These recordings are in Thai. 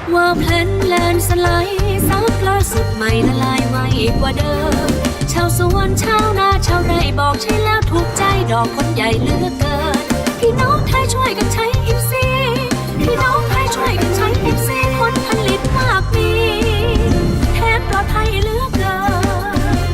ว่าแพลนแลนสไลด์ซับล่าสุดใหม่ละลายไวกว่าเดิมชาวสวนชาวนาชาวไร่บอกใช่แล้วถูกใจดอกคนใหญ่เหลือกเกินพี่น้องไทยช่วยกันใช้อิฟซีพี่น้องไทยช่วยกันใช้อิฟซีผลผลิตมากมีแทนปลอดภัยเหลือกเกิน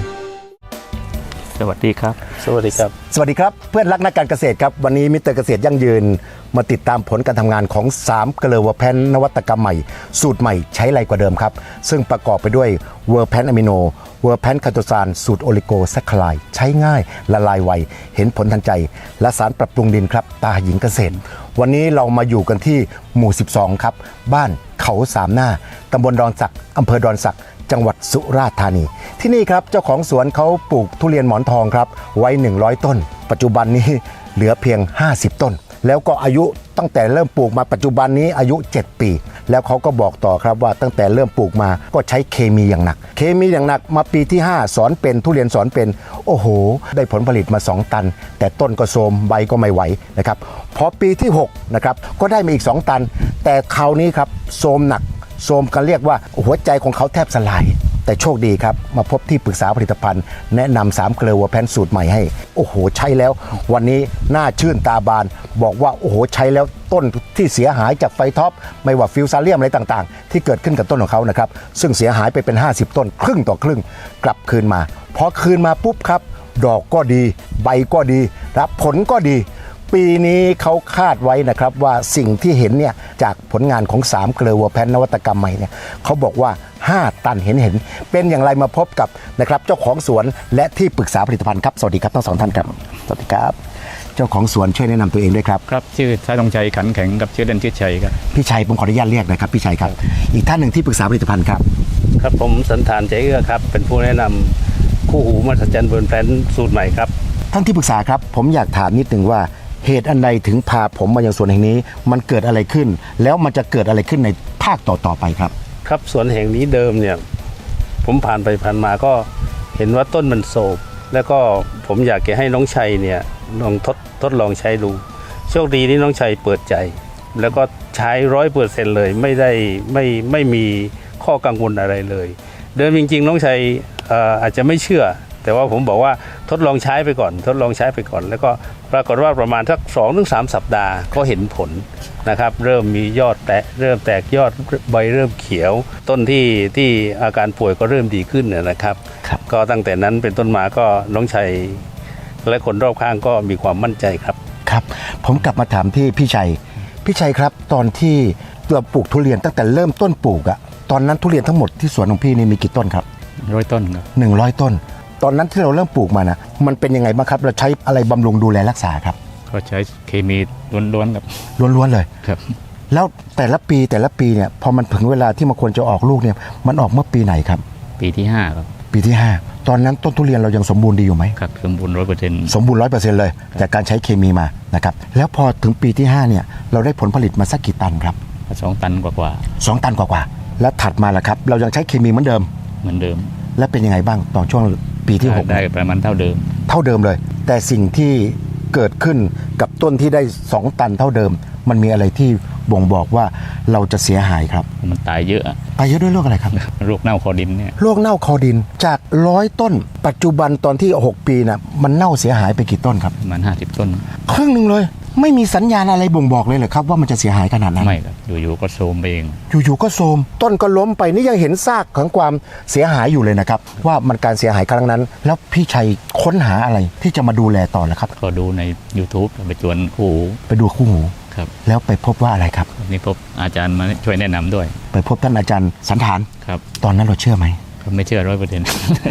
สวัสดีครับสวัสดีครับสวัสดีครับเพื่อนรักนักการเกษตรครับวันนี้มิสเตอร์เกษตรยั่งยืนมาติดตามผลการทำงานของ3เกลือเวอร์แพนนวัตกรรมใหม่สูตรใหม่ใช้ไรกว่าเดิมครับซึ่งประกอบไปด้วยเวอร์แพนอะมิโนเวอร์แพนคาโตซานสูตรโอลิโกแซคคลายใช้ง่ายละลายไวเห็นผลทันใจและสารปรับปรุงดินครับตาหญิงเกษตรวันนี้เรามาอยู่กันที่หมู่12ครับบ้านเขาสามหน้าตำบลดอนสักอำเภอดอนสักจังหวัดสุราษฎร์ธานีที่นี่ครับเจ้าของสวนเขาปลูกทุเรียนหมอนทองครับไว้100ต้นปัจจุบันนี้เหลือเพียง50ต้นแล้วก็อายุตั้งแต่เริ่มปลูกมาปัจจุบันนี้อายุ7ปีแล้วเขาก็บอกต่อครับว่าตั้งแต่เริ่มปลูกมาก็ใช้เคมีอย่างหนักเคมีอย่างหนักมาปีที่5สอนเป็นทุเรียนสอนเป็นโอ้โหได้ผลผลิตมา2ตันแต่ต้นก็โทรมใบก็ไม่ไหวนะครับพอปีที่6นะครับก็ได้มาอีก2ตันแต่คราวนี้ครับโทรมหนักโทรมกันเรียกว่าหัวใจของเขาแทบสลายแต่โชคดีครับมาพบที่ปรึกษาผลิตภัณฑ์แนะนำ3เกลือเวอร์แพนสูตรใหม่ให้โอ้โหใช้แล้ววันนี้หน้าชื่นตาบานบอกว่าโอ้โหใช้แล้วต้นที่เสียหายจากไฟท็อปไม่ว่าฟิวซาเลียมอะไรต่างๆที่เกิดขึ้นกับต้นของเขานะครับซึ่งเสียหายไปเป็น50ต้นครึ่งต่อครึ่งกลับคืนมาพอคืนมาปุ๊บครับดอกก็ดีใบก็ดีรับผลก็ดีปีนี้เขาคาดไว้นะครับว่าสิ่งที่เห็นเนี่ยจากผลงานของ3เกลือเวอร์แพนนวัตกรรมใหม่เนี่ยเขาบอกว่า5ตันเห็นเป็นอย่างไรมาพบกับนะครับเจ้าของสวนและที่ปรึกษาผลิตภัณฑ์ครับสวัสดีครับทั้ง2ท่านครับสวัสดีครับเจ้าของสวนช่วยแนะนำตัวเองด้วยครับครับชื่อชายธงชัยขันแข็งกับชื่อเล่นชื่อชัยครับพี่ชัยผมขออนุญาตเรียกนะครับพี่ชัยครับอีกท่านหนึ่งที่ปรึกษาผลิตภัณฑ์ครับครับผมสันธานใจเอื้อครับเป็นผู้แนะนำคู่หูมหัศจรรย์เวอร์แพนสูตรใหม่ครับท่านที่ปรึกษาครับผมอยากถามนิดนึงว่าเหตุอันใดถึงพาผมมายังสวนแห่งนี้มันเกิดอะไรขึ้นแล้วมันจะเกิดอะไรขึ้นในภาคต่อไปครับครับสวนแห่งนี้เดิมเนี่ยผมผ่านไปผ่านมาก็เห็นว่าต้นมันโศกแล้วก็ผมอยากจะให้น้องชัยเนี่ยลองทดลองใช้ดูโชคดีที่น้องชัยเปิดใจแล้วก็ใช้100%เลยไม่มีข้อกังวลอะไรเลยเดิมจริงๆน้องชัยอาจจะไม่เชื่อแต่ว่าผมบอกว่าทดลองใช้ไปก่อนแล้วก็ปรากฏว่าประมาณสัก 2-3 สัปดาห์ก็เห็นผลนะครับเริ่มมียอดเริ่มแตกยอดใบเริ่มเขียวต้นที่อาการป่วยก็เริ่มดีขึ้นนะครับก็ตั้งแต่นั้นเป็นต้นมาก็น้องชัยและคนรอบข้างก็มีความมั่นใจครับครับผมกลับมาถามที่พี่ชัยครับตอนที่เราปลูกทุเรียนตั้งแต่เริ่มต้นปลูกอะตอนนั้นทุเรียนทั้งหมดที่สวนของพี่นี่มีกี่ต้นครับ 100ต้นครับ 100ต้นตอนนั้นที่เราเริ่มปลูกมานะมันเป็นยังไงบ้างครับเราใช้อะไรบำรุงดูแลรักษาครับก็ใช้เคมีล้วนๆครับล้วนๆเลยครับแล้วแต่ละปีเนี่ยพอมันถึงเวลาที่มันควรจะออกลูกเนี่ยมันออกเมื่อปีไหนครับปีที่5ครับปีที่5ตอนนั้นต้นทุเรียนเรายังสมบูรณ์ดีอยู่ไหมครับสมบูรณ์ 100% สมบูรณ์ 100% เลยจากการใช้เคมีมานะครับแล้วพอถึงปีที่5เนี่ยเราได้ผลผลิตมาสักกี่ตันครับ 2 ตันกว่า 2 ตันกว่าแล้วถัดมาล่ะครับเรายังใช้เคมีเหมือนเดิมแล้วเป็นยังไงบ้างต่อช่วงปีที่6 ได้ประมาณเท่าเดิมเลยแต่สิ่งที่เกิดขึ้นกับต้นที่ได้2ตันเท่าเดิมมันมีอะไรที่บ่งบอกว่าเราจะเสียหายครับมันตายเยอะด้วยโรคอะไรครับโรคเน่าคอดินเนี่ยโรคเน่าคอดินจาก100ต้นปัจจุบันตอนที่6ปีน่ะมันเน่าเสียหายไปกี่ต้นครับประมาณ50ต้นครึ่งนึงเลยไม่มีสัญญาณอะไรบ่งบอกเลยเหรอครับว่ามันจะเสียหายขนาดนั้นไม่ครับอยู่ๆก็โทรมไปเองอยู่ๆก็โทรมต้นก็ล้มไปนี่ยังเห็นซากของความเสียหายอยู่เลยนะครับว่ามันการเสียหายครั้งนั้นแล้วพี่ชัยค้นหาอะไรที่จะมาดูแลต่อแล้วครับก็ดูใน YouTube ไปจวนไปดูคู่หูครับแล้วไปพบว่าอะไรครับนี่พบอาจารย์มาช่วยแนะนำด้วยไปพบท่านอาจารย์สันธานครับตอนนั้นเราเชื่อไหมไม่เชื่อ 100%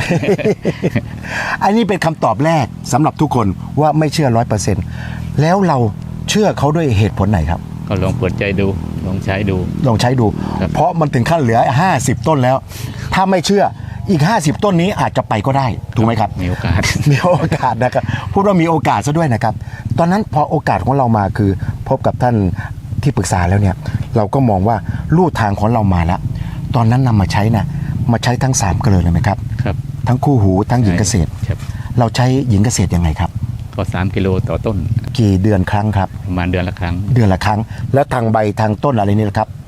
อันนี้เป็นคำตอบแรกสำหรับทุกคนว่าไม่เชื่อ 100% แล้วเราเชื่อเขาด้วยเหตุผลไหนครับก็ลองเปิดใจดูลองใช้ดูเพราะมันถึงขั้นเหลือ50ต้นแล้วถ้าไม่เชื่ออีก50ต้นนี้อาจจะไปก็ได้ถูกไหมครับมีโอกาสนะครับพูดว่ามีโอกาสซะด้วยนะครับตอนนั้นพอโอกาสของเรามาคือพบกับท่านที่ปรึกษาแล้วเนี่ยเราก็มองว่าลู่ทางของเรามาแล้วตอนนั้นนำมาใช้นะมาใช้ทั้ง3เกลือเลยไหมครับทั้งคู่หูทั้งหญิงเกษตรเราใช้หญิงเกษตรยังไงครับก็3กิโลต่อต้นกี่เดือนครั้งครับประมาณเดือนละครั้งแล้วทางใบทางต้นอะไรนี่นะครับ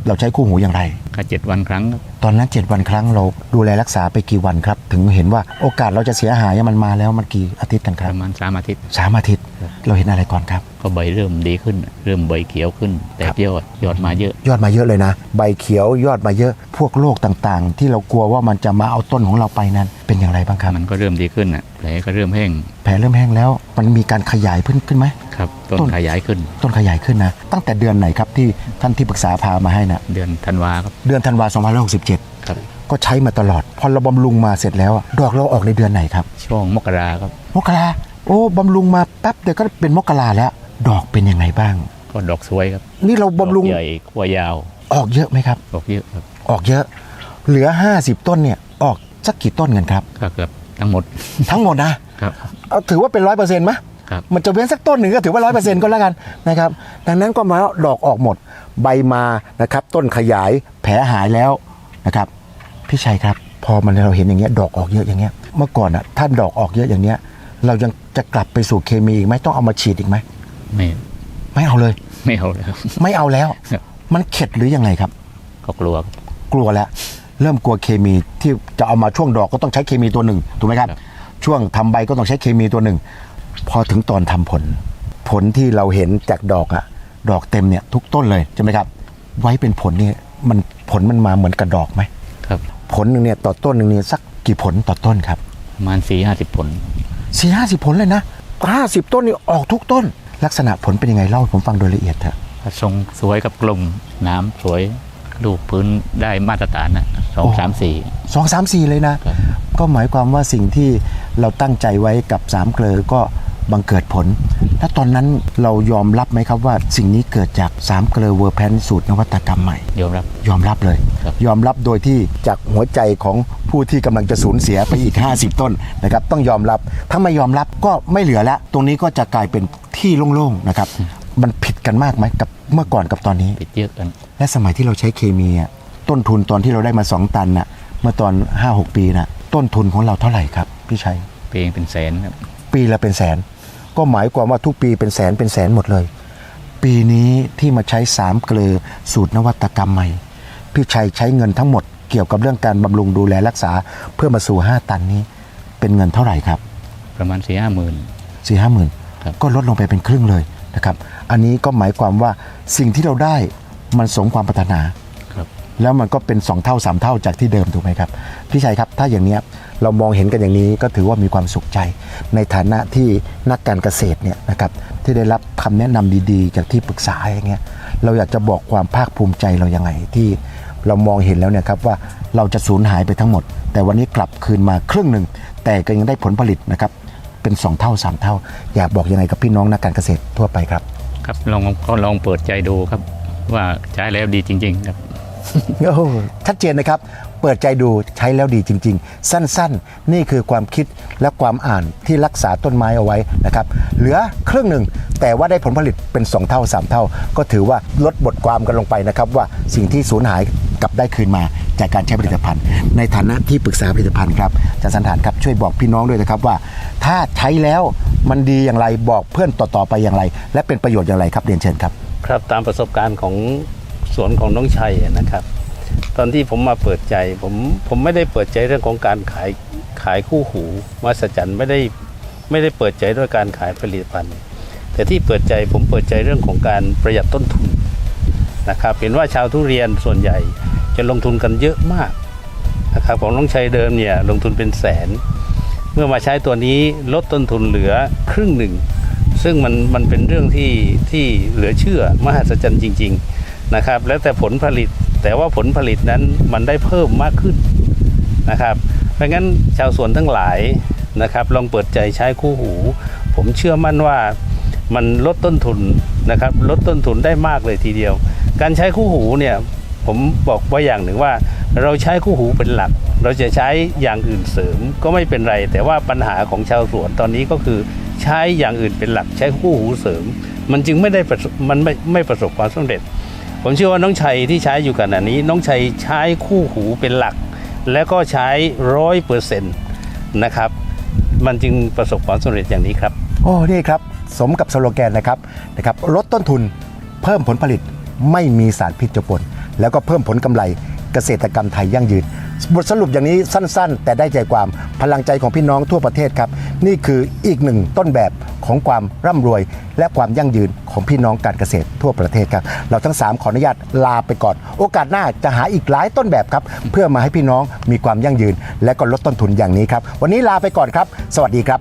เราใช้คู่หูอย่างไรก็7 วันครั้งครับตอนนั้น 7 วันครั้งเราดูแลรักษาไปกี่วันครับ ถึงเห็นว่าโอกาสเราจะเสียหายมันมาแล้วมันกี่อาทิตย์กันคปรับระมาณ3 อาทิตย์ 3 อาทิตย์เราเห็นอะไรก่อนครับก็ใบเริ่มดีขึ้น เริ่มใบเขียวขึ้น แต่ยอดมาเยอะยอดมาเยอะเลยนะ ใบเขียวยอดมาเยอะพวกโรคต่างๆ ที่เรากลัวว่ามันจะมาเอาต้นของเราไปนั้นเป็นอย่างไรบ้างครับมันก็เริ่มดีขึ้นแผลก็เริ่มแห้งแผลเริ่มแห้งแล้วมันมีการขยายขึ้นไหมครับต้นต้นขยายขึ้นต้นขยายขึ้นนะตั้งแต่เดือนไหนครับที่ท่านที่ปรึกษาพามาให้นะเดือนธันวาครับเดือนธันวาคม2567 ครับก็ใช้มาตลอด พอเราบำรุงมาเสร็จแล้วอะดอกเราออกในเดือนไหนครับช่วงมกราครับมกราโอ้บำรุงมาแป๊บเดียวก็เป็นมกราแล้ว ดอกเป็นยังไงบ้างก็ดอกสวยครับนี่เราบำรุงดอกใหญ่ขั้วยาวออกเยอะไหมครับดอกเยอะครับออกเยอะ เหลือ 50 ต้นเนี่ยออกสักกี่ต้นกันครับก็เกือบทั้งหมดทั้งหมดนะครับ เอาถือว่าเป็น 100%ไหมครับมันจะเว้นสักต้นหนึ่งก็ถือว่า 100% ก็แล้วกันนะครับดังนั้นก็หมายว่าดอกออกหมดใบมานะครับต้นขยายแผลหายแล้วนะครับพี่ชัยครับพอมันเราเห็นอย่างเงี้ยดอกออกเยอะอย่างเงี้ยเมื่อก่อนอ่ะถ้าดอกออกเยอะอย่างเงี้ยเรายังจะกลับไปสู่เคมีอีกไหมต้องเอามาฉีดอีกไหม ไม่เอาเลยไม่เอาเลยครับไม่เอาแล้วครับมันเข็ดหรือยังไงครับก็กลัวครับกลัวแล้วเริ่มกลัวเคมีที่จะเอามาช่วงดอกก็ต้องใช้เคมีตัวหนึ่งถูกไหมครับครับช่วงทำใบก็ต้องใช้เคมีตัวหนึ่งพอถึงตอนทำผลที่เราเห็นจากดอกอะดอกเต็มเนี่ยทุกต้นเลยใช่ไหมครับไว้เป็นผลนี่ผลมันมาเหมือนกับดอกไหมครับผลหนึ่งเนี่ยต่อต้นหนึ่งเนี่ยสักกี่ผลต่อต้นครับประมาณ40-50 ผล 4-50 ผลเลยนะ50 ต้นนี่ออกทุกต้น ลักษณะผลเป็นยังไงเล่าให้ผมฟังโดยละเอียดเถอะทรงสวยกับกลมน้ำสวยลูกพื้นได้มาตรฐานนะ2 3 4 2 3 4เลยนะครับ ก็หมายความว่าสิ่งที่เราตั้งใจไว้กับ3 เกลอก็บังเกิดผลและตอนนั้นเรายอมรับไหมครับว่าสิ่งนี้เกิดจาก3 เกลอเวอร์แพนสูตรนวัตกรรมใหม่ยอมรับยอมรับเลยครับยอมรับโดยที่จากหัวใจของผู้ที่กำลังจะสูญเสียไปอีก 50 ต้นนะครับต้องยอมรับถ้าไม่ยอมรับก็ไม่เหลือแล้วตรงนี้ก็จะกลายเป็นที่โล่งๆนะครับมันผิดกันมากไหมกับเมื่อก่อนกับตอนนี้ปิดเยอะกันและสมัยที่เราใช้เคมีอะต้นทุนตอนที่เราได้มา2 ตันน่ะเมื่อตอน 5-6 ปีน่ะต้นทุนของเราเท่าไหร่ครับพี่ชัยเพลงเป็นแสนครับปีละเป็นแสนก็หมายความว่าทุกปีเป็นแสนหมดเลย ปีนี้ที่มาใช้3 เกลอสูตรนวัตกรรมใหม่พี่ชัยใช้เงินทั้งหมดเกี่ยวกับเรื่องการบำรุงดูแลรักษาเพื่อมาสู่5 ตันนี้เป็นเงินเท่าไหร่ครับประมาณ4-5 หมื่น 4-5 หมื่นครับก็ลดลงไปเป็นครึ่งเลยนะครับอันนี้ก็หมายความว่าสิ่งที่เราได้มันสมความปรารถนาครับแล้วมันก็เป็น2 เท่า 3 เท่าจากที่เดิมถูกไหมครับพี่ชัยครับถ้าอย่างเนี้ยเรามองเห็นกันอย่างนี้ก็ถือว่ามีความสุขใจในฐานะที่นักการเกษตรเนี่ยนะครับที่ได้รับคำแนะนำดีๆ จากที่ปรึกษาอย่างเงี้ยเราอยากจะบอกความภาคภูมิใจเรายังไงที่เรามองเห็นแล้วเนี่ยครับว่าเราจะสูญหายไปทั้งหมด แต่วันนี้กลับคืนมาครึ่งหนึ่งแต่ก็ยังได้ผลผลิตนะครับเป็น2 เท่า 3 เท่า อยากบอกยังไงกับพี่น้องนักการเกษตรทั่วไปครับครับลองเปิดใจดูครับ ว่าใช้แล้วดีจริงๆครับโอ้โหชัดเจนนะครับ เปิดใจดูใช้แล้วดีจริง ๆ สั้นๆ นี่คือความคิดและความอ่านที่รักษาต้นไม้เอาไว้นะครับเหลือครึ่งหนึ่งแต่ว่าได้ผลผลิตเป็น2 เท่า 3 เท่า ก็ถือว่าลดบทความกันลงไปนะครับว่าสิ่งที่สูญหายกลับได้คืนมาจากการใช้ผลิตภัณฑ์ ในฐานะที่ปรึกษาผลิตภัณฑ์ครับอาจารย์สันฐานครับช่วยบอกพี่น้องด้วยนะครับว่า ถ้าใช้แล้วมันดีอย่างไรบอกเพื่อนต่อๆไปอย่างไร และเป็นประโยชน์อย่างไรครับเรียนเชิญครับครับตามประสบการณ์ของสวนของน้องชัยนะครับ ตอนที่ผมมาเปิดใจผมไม่ได้เปิดใจเรื่องของการขายคู่หูมหัศจรรย์ไม่ได้เปิดใจด้วยการขายผลิตภัณฑ์ แต่ที่เปิดใจผมเปิดใจเรื่องของการประหยัดต้นทุนนะครับเห็นว่าชาวทุเรียนส่วนใหญ่จะลงทุนกันเยอะมากนะครับของน้องชัยเดิมเนี่ยลงทุนเป็นแสน เมื่อมาใช้ตัวนี้ลดต้นทุนเหลือครึ่งหนึ่งซึ่งมันเป็นเรื่องที่เหลือเชื่อมหัศจรรย์จริงๆนะครับแล้วแต่ผลผลิตแต่ว่าผลผลิตนั้นมันได้เพิ่มมากขึ้นนะครับเพราะงั้นชาวสวนทั้งหลายนะครับลองเปิดใจใช้คู่หูผมเชื่อมั่นว่ามันลดต้นทุนนะครับลดต้นทุนได้มากเลยทีเดียวการใช้คู่หูเนี่ยผมบอกไว้อย่างหนึ่งว่าเราใช้คู่หูเป็นหลักเราจะใช้อย่างอื่นเสริมก็ไม่เป็นไรแต่ว่าปัญหาของชาวสวนตอนนี้ก็คือใช้อย่างอื่นเป็นหลักใช้คู่หูเสริมมันจึงไม่ประสบความสำเร็จผมเชื่อว่าน้องชัยที่ใช้อยู่ขณะนี้น้องชัยใช้คู่หูเป็นหลักแล้วก็ใช้ 100% นะครับมันจึงประสบความสำเร็จอย่างนี้ครับโอ้นี่ครับสมกับสโลแกนนะครับลดต้นทุนเพิ่มผลผลิตไม่มีสารพิษเจือปนแล้วก็เพิ่มผลกำไรเกษตรกรรมไทยยั่งยืนบทสรุปอย่างนี้สั้นๆ แต่ได้ใจความพลังใจของพี่น้องทั่วประเทศครับนี่คืออีกหนึ่งต้นแบบของความร่ำรวยและความยั่งยืนของพี่น้องการเกษตรทั่วประเทศครับเราทั้ง3ขออนุญาตลาไปก่อนโอกาสหน้าจะหาอีกหลายต้นแบบครับเพื่อมาให้พี่น้องมีความยั่งยืนและก็ลดต้นทุนอย่างนี้ครับวันนี้ลาไปก่อนครับสวัสดีครับ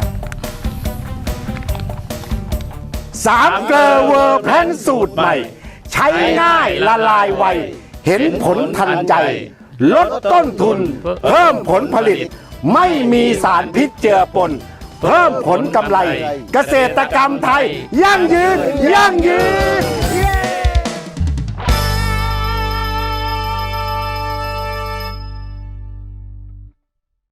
3 เกลอเวอร์แพนสูตรใหม่ใช้ง่ายละลายไวเห็นผลทันใจลดต้นทุนเพิ่มผลผลิตไม่มีสารพิษเจือปนเพิ่มผลกำไรเกษตรกรรมไทยยั่งยืน